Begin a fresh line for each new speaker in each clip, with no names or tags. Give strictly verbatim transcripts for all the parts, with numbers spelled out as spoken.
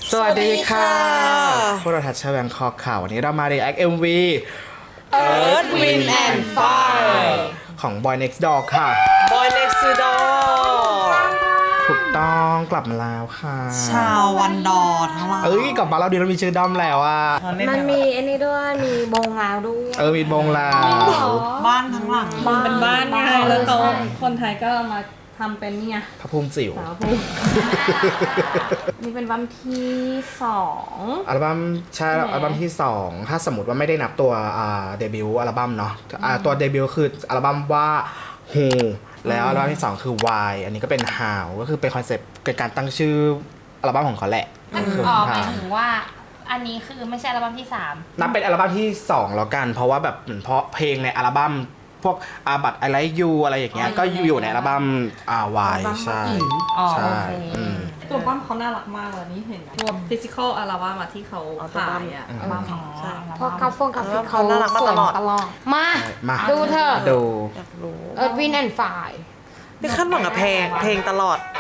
สวัสดีค่ะพวกเราทัชเชอร์แบงคอกข่าววันนี้เรามา react เอ็ม วี
Earth Wind and Fire
ของ Boy Next Door ค่ะ
Boy Next Door
ถูกต้องกลับมาแล้วค่ะ
ชาววันดอทั้งหลาย
เอ้ยกลับมาเราดีเรามีชื่อด้อมแล้วอ่ะ
มันมีอันนี้ด้วยมีบงแล้วด้วย
เออมีบงลาว
บ้านทั้งหลัง
เป็นบ้านไงแล้วเขาคนไทยก็เอามาทำเป็นเนี่ย
พระภูมิจิ๋ว
สาวผู้ นี่เป็นวันที่สอง
อัลบั้มใช่อัลบั้มที่สองถ้าสมมติว่าไม่ได้นับตัวอ่าเดบิวต์อัลบั้มเนาะอ่าตัวเดบิวต์คืออัลบั้มว่า Who แล้วอัลบั้มที่สองคือ Why อันนี้ก็เป็น How ก็คือเป็นคอนเซปต์เกิดการตั้งชื่ออัลบั้มของเขาแหละ
ก็คืออ๋อหมายถึงว่าอันนี้คือไม่ใช่อัลบั้มที่สาม
นับเป็นอัลบั้มที่สองแล้วกันเพราะว่าแบบเหมือนเพราะเพลงในอัลบั้มพวกอาบัตไอไลท์ยูอะไรอย่างเงี้ยก็อยู่ในอัลบั้มอาวายใช่
อ๋อ
ใช่
โอเค
อืม
ตัวบ้านเขาน่ารักมากเลยนี่เห็นตัวฟิสิกอลอัลบั้มอะที่เขาขายอะ
อืม
อัลบั้มของ
ใช่
เพราะกราฟงกราฟิกเขา
น่ารักมา
สว
ต
ย
ลอด
ตลอด มา
มา
ดูเถอะ
ดู
อยากรู้
เอิร์ธวินแอนด์ไฟ
นี่ขั้นหวังกับเพลงเพลงตลอด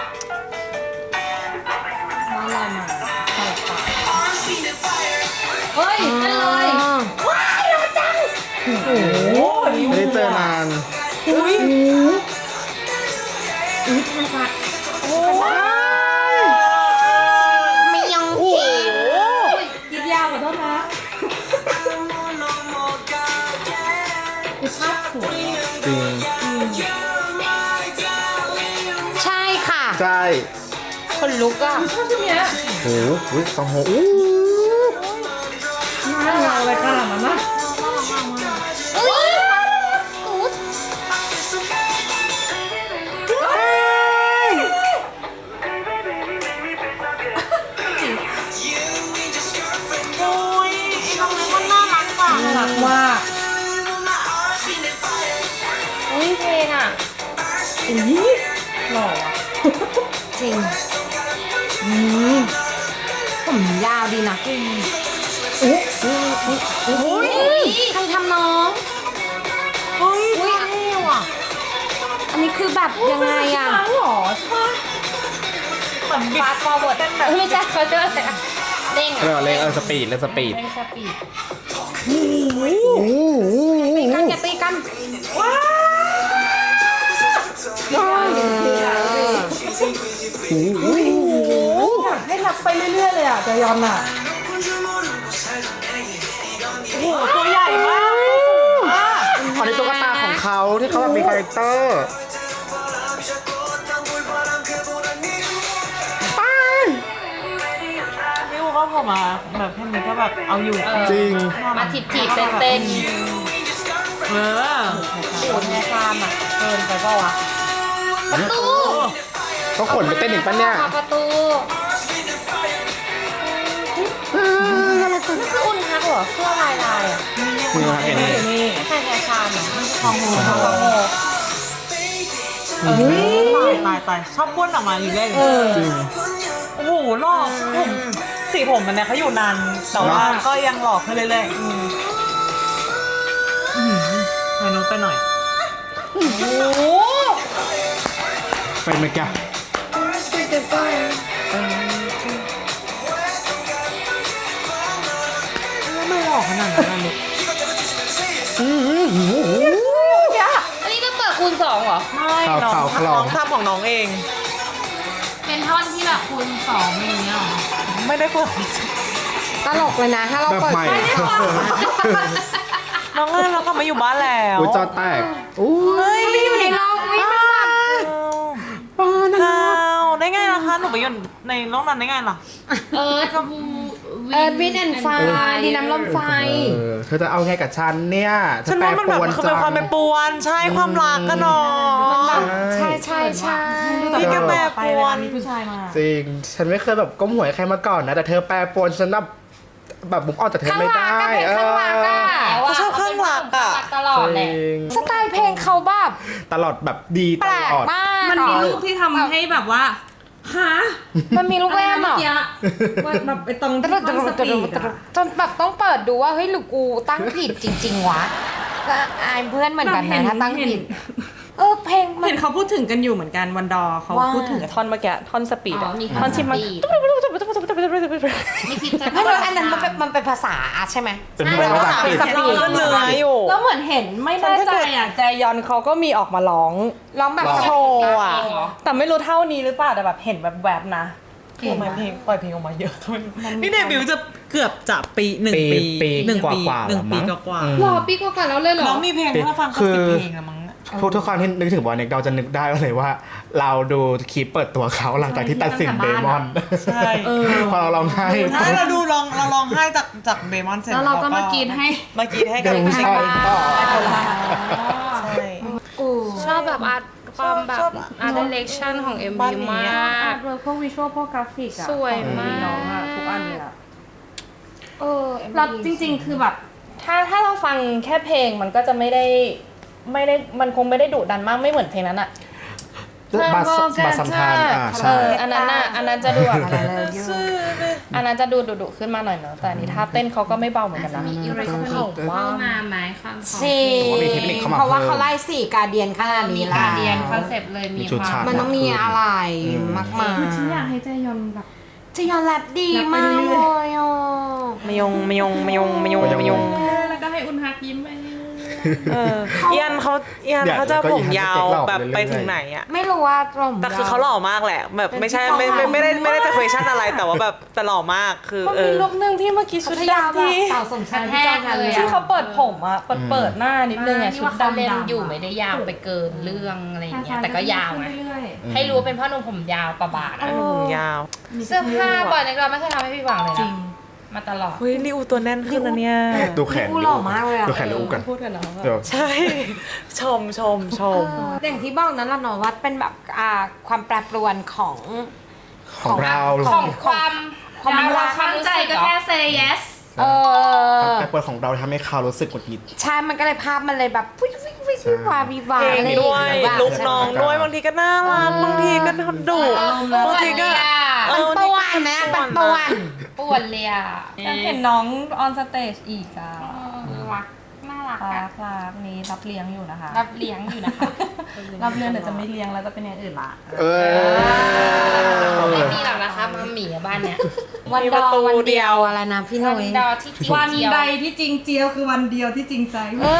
บ้านเรามาเปิดปาก
เฮ้ยนั่นเลย
ไม่ได้เจอนาน
อุ้ย
ไม่ยังเขียว
ยิบยาวขอโทษนะภาพสวย
จริง
ใช่ค่ะ
ใช่
คนลุกอ่ะ
ชอบชุดเนี้ย
โอ้โหอุ๊ยสองโหอู้
น่ารักอะไรขนาดนั้นนะ
เอ้ยกูด
โอ้ยน้องนี้มันน่ารักว่ะ
น่ารักมาก
อุ้ยเพลงอ่ะ
อุ้ยหล่ออะ
จริงอืมผมยาวดีนะอุ้ยอุ้ยใครทำน้อง
เฮ้ย
อุ้ย
เท่ว่ะ
อันนี้คือแบบยังไงอ่ะ
ช้างหรอใช่ปะ
เหมือนบิดฟอร์เวิร์ดเต้นแบบ
ไม่ใช่เขาเจอแต่เด้ง
เรียกว่าเล่นเออสปีดเล่นสปีด
เป็นสปีด
ตีกันอย่าตีกันว้าว
อยากให้รักไปเรื่อยๆเลยอ่ะจะยอมอ่ะ
โอ้โหตัวใหญ่มาก
อันนี้ตุ๊กตาของเขาที่เขาแบบมีคาแรคเตอร์
นี่ก็พอมาแบบแค่นี้ก็แบบเอาอยู่
จริง
มาถีบถีบเต้นเต้น
เออ
โอ้ยในความอ่ะเกินไปเปล่าวะประตู
เขาขนไปเต้นอีกปะเนี่ย
ประตูนั่นคืออุ่นฮักเหรอเสื้อลายลายอ่ะ
คุณเห็นไหม
นี่
ใช่แฟชั่นอ่ะ
ของหูของหูตายตายตายชอบพ่นออกมาอยู่เรื่อย
จริง
โอ้โหหล่อผมสีผมมันเนี่ยเขาอยู่นานแต่ว่าก็ยังหล่อขึ้นเรื่อยๆอืมให้นุ๊กไปหน่อย
โอ้โห
เป็นไหมแก
ไม่หล่อขนาดนั้นนะนุ๊ก
อันนี้ก็เปิดคูณสองเหรอ
ไม่น้องน้องทำของน้องเอง
เป็นท่อนที่แบบคูณสองอย่างเงี้ยเหรอ
ไม่ได้เปิด
ตลกเลยนะ ถ้าเรา
แบบ
เปิด
ใหม่
น้องเอ้ยเรากลับมาอยู่บ้านแล้ว
อุ้ยจอแตกอู้
เฮ้ย
อยู่ในโลกวิมันแบบ
ป้านะ
ข้าวได้ไงล่ะคะหนูไปอยู่ในโลกนั้นได้ไงล่ะ
เออกับ
เออวินแอนไฟดีน้ำลมไฟ
เออเธอจะเอาไงกับฉันเนี่ยเธ
ฉั
อน แปร
ว่ามัน
ป
แบบ
รวน
มันคือ
จั
เป็น
ง
ความเป็นปวนใช่ความรักกันเนาะ
ใช่ใช่ใช่
พี่ก็แปรป
ไป
ร
เว
ว
ลาน มีผู้ชายมา
จริง ฉันไม่เคยแบบก้มหัวให้ใครมาก่อนนะ แต่เธอแปรปรวนฉันแบบแบบบุกออกจากเธอ
ข้าง
ไม่
หลั
ได้
งก็เป็นข้างหลังอ่ะ
แต่ว่า
เขาชอบข้างหลักอะ
ตลอด
จ
แหละ
ริง
สไตล์เพลงเขาแบบ
ตลอดแบบดีต
แปลก
ลอด
มาก
มันมีรูปที่ทำให้แบบว่าฮะ
มันมีลูกแว่นเหรอ
เมื่อกี้ว่าแบบไปตรง
ต
ที่
รุดต
ตั้ง
รุ
ส
ดต
ปี
รุ
ด
ดตรุ
อะ
ดจนแบบต้องเปิดดูว่าเฮ้ยหรือกูตั้งผิดจริง ๆ วะก็อายเพื่อนเหมือนกันนะถ้าตั้งผิด เออเพลงมัน
เห็นเขาพูดถึงกันอยู่เหมือนกันวันดอเขา
ว่า
พูดถึงกับท่อนเมื่อกี้ท่อนสปีด
อ๋
อะ
อมี
ท่อนชิมมัน
สปีดไม่คิดจะ
ไม่รู้อันนั้นมันเป็นมันเป็นภาษาใช่ไหม
เป็นภาษาอังกฤษ
สับปีเนื้ออยู่
แล้วเหมือนเห็นไม่แน่ใจอ่ะแจยอนเขาก็มีออกมาร้อง
ร้องแบบ
โชว์อ่ะแต่ไม่รู้เท่านี้หรือเปล่าแต่แบบเห็นแบบแบบๆนะทำไมเพลงปล่อยเพลงออกมาเยอะทำไม
นี่เดบิวต์จะเกือบจะปีหนึ่งปี
ปี
หนึ่งปี
กว่าๆ
หนึ่งปี
แล้วมั้ง
กว่า
หรอปีกว่าๆแล้วเลยเหรอ
น้องมีเพลงถ้าฟังก็สิบเพลงอะมั้ง
ทุกทุกครั้งที่นึกถึงบอยเน็กเราจะนึกได้เลยว่า เราดูคลิปเปิดตัวเขาหลังจากที่ตัดสินเบมอน
ใช่
พอเราร้องไห้
ถ้าเราดูลองเราลองให้จากจากเบมอนเสร็จ
แล้วเราก็มากรีดให้
มากรีดให้กัน
เดี๋ยวผู้ชายต่อ
ใช่
ชอบแบบอาร์ตความแบบอาร์ตเดเรคชั่นของ เอ็ม
บ้า
วี
นนี้
มา
อา
ก
ร์ตเวิร์กพวกวิชวลพวกกราฟิกอะ
สวยมาก
ของน้องอะทุกอันเลยอะ
เออ
เราจริงๆ คือแบบ ถ้าถ้าเราฟังแค่เพลงมันก็จะไม่ได้ไม่ได้มันคงไม่ได้ดุดันมากไม่เหมือนเพลงนั้นอะ
บาสบาสสัมพันธ์อ่า
เอ
ใช่
ออันนั้นน่ะอันนั้นจะดูแบบอันนั้นจะดูดุๆขึ้นมาหน่อยเนอะแต่อันนี้ท่าเต้นเขาก็ไม่เบาเหมือนกันนะ
มีอิเล็กทรอนิกส์เข้ามาไหมความของ
จริง
ผมว่ามีเทคนิคเข้ามา
เพราะว่า
เพิ่ม
เขาไล่สี่การเดียนขนาด
มี
นี้
กา
ละ
รเรียนคอนเซปต์เลยมี
มีชุด
ควา
ฉาก
ม
มันต้องมีอะไรมากมาย
ฉันอยากให้เจยอนแบบ
จะยอนแรปดีมากเลยอ่ะ
มยงมยงมยงมยงมยง
แล้วก็ให้อุนฮักยิ้มไป
เออเอียนเขาเอียนเขาจะผมยาวแบบไปถึงไหนอะ
ไม่รู้ว่าตรง
แต่คือเขาหล่อมากแหละ แบบไม่ใช่ไม่ไม่ไม่ได้ไม่ได้จะ question อะไรแต่ว่าแบบแต่หล่อมากคือ
มัน
เอ
มี
อ
รูปหนึ่งที่เมื่อกี้ชุด
พัทยา
ดำ
แบบ
ที่
เต่าสมชายที่จ้างกันเลย
ที่
อะ
เขาเปิดผมอะเปิดเปิดหน้านิดนึงอะ
ที่
ชุด
ว่าเขาเล่น
ดำๆ
อยู่ไม่ได้ยาวไปเกินเรื่องอะไรอย่างเงี้ยแต่ก็ยาวไงให้รู้ว่าเป็นพ่อหนุ่มผมยาวประบาดอะ
ผมยาว
เสื้อผ้าบ่อยในเราไม่เคยทำให้พี่หวังเลยนะมาตลอด
เฮ้ยลิอูตัวแน่นขึ้นนะเนี่ย
ดูแขน
กูหล่อมากเลยอะ
ดูแขนลิอูกัน
พูดกันแล้ว
เดี๋ยว
ใช่ ชมชมชม
อย่างที่บอกนั้นละเนาะว่าเป็นแบบอ่าความแปรปรวนของ
ของเรา
ของความ
ความรัก
ความรู้สึกก็แค่ say yes
เออ
แต่เปิดของเราทำให้เขารู้สึกหงุดหงิด
ใช่มันก็เลยภาพมันเลยแบบวิววิววิววิววาวิวา
เพลง
อะไร
ด้วย
อย่างเงี้ย
ลุกน้องด้วยบางทีก็น่ารักบางทีก็ดุบางทีก็เอ
มัน
อ
ป่วนนะมันป่วน
ป่วนเลยอ่ะ
อยากเห็นน้องออนสเตจอีกอะ
รักน่ารัก
รั
อะ
กรักนี้รับเลี้ยงอยู่นะคะ
รับเลี้ยงอยู่นะคะ
รับเลี้ยงเดี๋ยวจะไม่เลี้ยงแล้วจะเป็นอย่างอื่นละ
เออ
ไม่มีหรอกนะคะมัมหมี่อะบ้านเนี้ย
วันดอวันเดียวอะไรนะพี่ห
วั
นุ่
น
ย
ดอที่จริง
วัน
เจียว
ใดที่จริงเจียวคือวันเดียวที่จริงใจ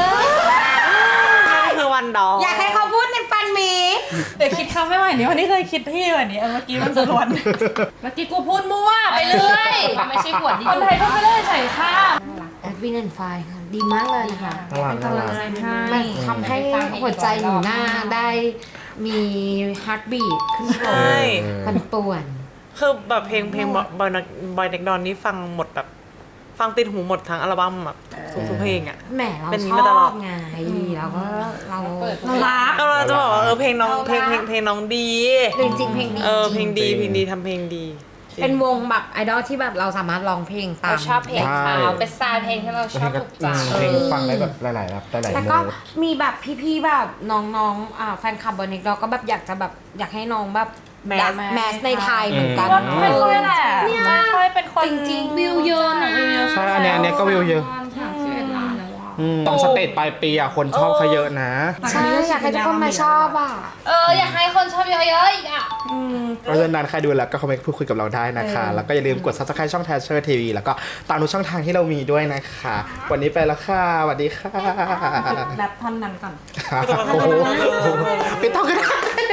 นั่นคือวันดอก
อยากให้เขาพูดในฟันหมี
เดี๋ยวคิดคำไม่ไหวนี้วันนี้เคยคิดที่วันนี้เมื่อกี้มันจะล้วนเมื่อกี้กูพูดมั่ว
ไปเรื่อยไม่ใช่ขวดดี
คนไทยพูดไปเรื่อยใส่ข้าว
แอดวินแอนไฟค่ะดีมากเลยนะคะ
น่ารักน่ารัก
มันทำให้หัวใจหนูหน้าได้มีฮาร์ดบีทขึ้นโผล่
ใช่
ปันป่วน
คือแบบเพลงเพลงบอยบอยเด็กดอนนี่ฟังหมดแบบฟังติดหูหมดทั้งอัลบั้มแบบทุกๆเพลงอ่ะ
แหมเรา
เป็น
ช
มาตล
อ
อด
บไงเราก็เรา
เรารัก
ก็เราจะบอกว่าเออเพลงน้องเพลงเพลงเพลงน้องดี
จริงๆเพลงดี
เออเพลงดีเพลงดีทำเพลงดี
เป็นวงแบบไอดอลที่แบบเราสามารถร้องเพลงตา
เรา
ม
ชอบเพลงเขาเป็นสไตล์เพลงที่เราช
เพล
อบ
งก็
ถูกใจ
เพลงฟังได้แบบหลายๆแบบหลายๆ
แล้ว
โน้
ก็
ต
มีแบบพี่ๆแบบน้องๆอ่าแฟนคลับบอนิกเราก็แบบอยากจะแบบอยากให้น้องแบบ
แมส
แมสในไทยเหมือนกัน
อืม
ไม่ค่อยแหละไม่ค่อยเป็นคน
จริงๆ
วิวเยอะนะ
ใช่อันเนี้ยอันเนี้ยก็วิวเยอะ
สามสิบเอ็ดล้านแล้วอะ
อืมตอนสเตจปลายปีอ่ะคนชอบเขาเยอะนะ
ใช่อยากให้ทุกคนมาชอบอ่ะ
เอออยากให้คนชอบเยอะๆอีกอ่ะ
เพราะฉะนั้นใครดูแล้วก็คอมเมนต์พูดคุยกับเราได้นะคะ แล้วก็อย่าลืมกด ซับสไครบ์ ช่อง Thatcher ที วี แล้วก็ตามทุกช่องทางที่เรามีด้วยนะคะ วันนี้ไปแล้วค่ะสวัสดีค่ะ
แรปท่อนนั้นก่อน
โอ้โหไม่ต้องก็ได้